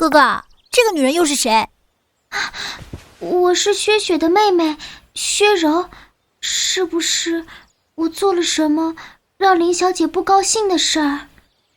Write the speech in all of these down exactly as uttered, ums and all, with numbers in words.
哥哥，这个女人又是谁？ 我是薛雪的妹妹，薛柔。是不是我做了什么让林小姐不高兴的事儿？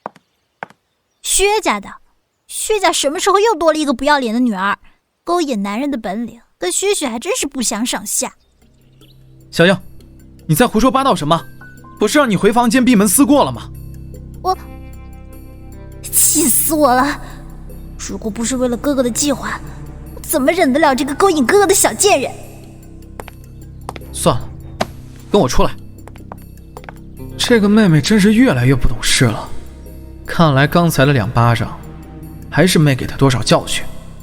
薛家的，薛家什么时候又多了一个不要脸的女儿？勾引男人的本领跟薛雪还真是不相上下。 小英，你在胡说八道什么？不是让你回房间闭门思过了吗？ 我气死我了！如果不是为了哥哥的计划，我怎么忍得了这个勾引哥哥的小贱人？ 算了，跟我出来。这个妹妹真是越来越不懂事了，看来刚才的两巴掌还是没给她多少教训。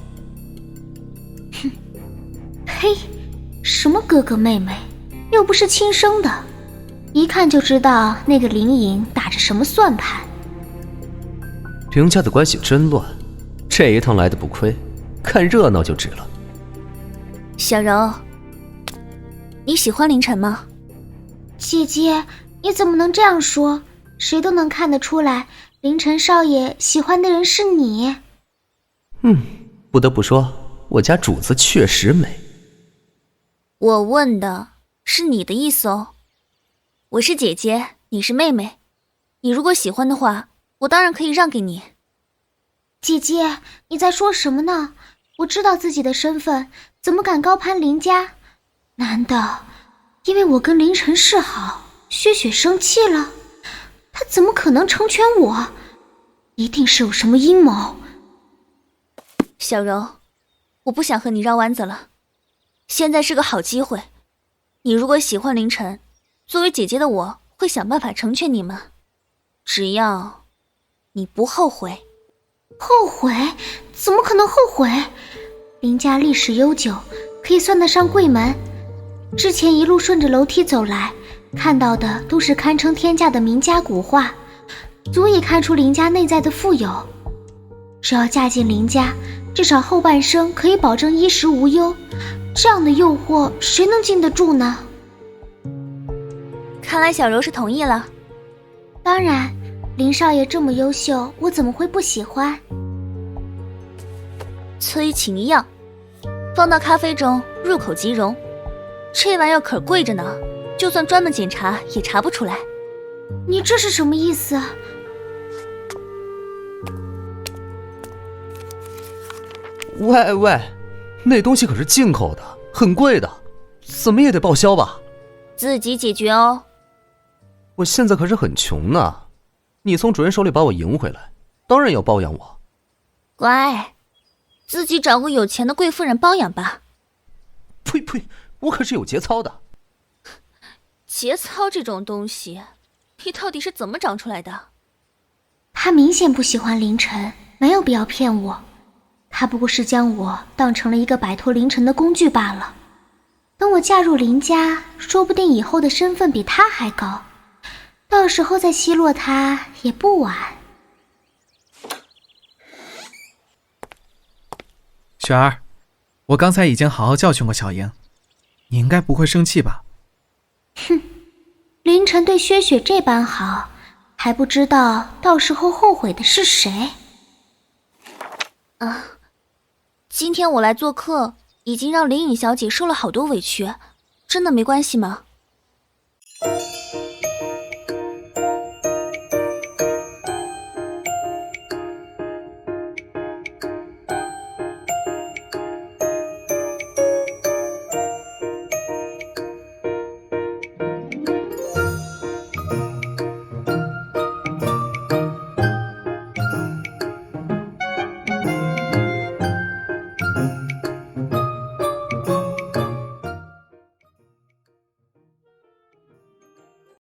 哼，嘿，什么哥哥妹妹，又不是亲生的，一看就知道那个林颖打着什么算盘。 林家的关系真乱，这一趟来的不亏，看热闹就值了。 小柔，你喜欢凌晨吗？ 姐姐，你怎么能这样说？谁都能看得出来，凌晨少爷喜欢的人是你。 嗯，不得不说，我家主子确实美。 我问的是你的意思哦。我是姐姐，你是妹妹，你如果喜欢的话，我当然可以让给你。 姐姐，你在说什么呢？我知道自己的身份，怎么敢高攀林家？难道因为我跟凌晨示好，薛雪生气了？他怎么可能成全我？一定是有什么阴谋。 小柔，我不想和你绕弯子了，现在是个好机会。你如果喜欢凌晨，作为姐姐的我会想办法成全你们，只要你不后悔。 后悔？怎么可能后悔？林家历史悠久，可以算得上贵门。之前一路顺着楼梯走来，看到的都是堪称天价的名家古画，足以看出林家内在的富有。只要嫁进林家，至少后半生可以保证衣食无忧，这样的诱惑谁能经得住呢？ 看来小柔是同意了。 当然，林少爷这么优秀，我怎么会不喜欢？ 催情药，放到咖啡中，入口即溶。这玩意儿可贵着呢，就算专门检查也查不出来。 你这是什么意思？ 喂喂，那东西可是进口的，很贵的，怎么也得报销吧？ 自己解决哦。 我现在可是很穷呢，你从主人手里把我赢回来，当然要包养我。 乖，自己找个有钱的贵妇人包养吧。 呸呸，我可是有节操的。 节操这种东西，你到底是怎么长出来的？ 他明显不喜欢凌晨，没有必要骗我。他不过是将我当成了一个摆脱凌晨的工具罢了。等我嫁入林家，说不定以后的身份比他还高，到时候再奚落他也不晚。 雪儿，我刚才已经好好教训过小莹，你应该不会生气吧？ 哼，凌晨对薛雪这般好，还不知道到时候后悔的是谁。 啊，今天我来做客，已经让林颖小姐受了好多委屈，真的没关系吗？